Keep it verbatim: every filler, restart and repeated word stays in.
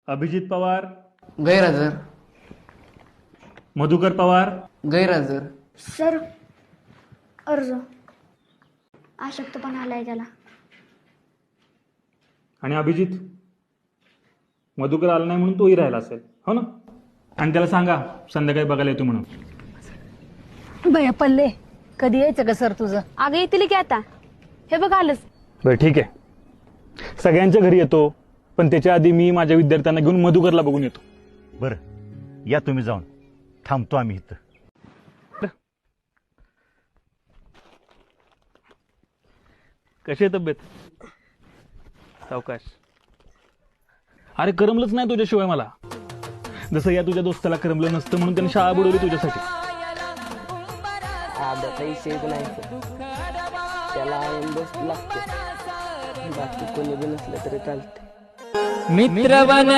अभिजित पवार, गैरहजर. मधुकर पवार, गैरहजर. सर अर्ज अशक्तपणा आलाय त्याला. आणि अभिजित मधुकर आला नाही म्हणून तोही राहिला असेल, हो ना? आणि त्याला सांगा संध्याकाळी बघायला येतो म्हणून. भैया पल्ले कधी यायचं का सर तुझं? अगं येतील की आता. हे बघ आलंच. बरं ठीक आहे, सगळ्यांच्या घरी येतो, पण त्याच्या आधी मी माझ्या विद्यार्थ्यांना घेऊन मधुकरला बघून येतो. बरं या तुम्ही जाऊन, थांबतो आम्ही इथं. कशी आहे तब्येत? सावकाश. अरे करमलंच नाही तुझ्याशिवाय मला. जसं या तुझ्या दोस्ताला करमलं नसतं म्हणून त्याने शाळा बुडवली तुझ्यासाठी. विषयच नाही त्याला आनंदच लागतो. बाकी कोणी बी नसलं तरी चालते. मित्र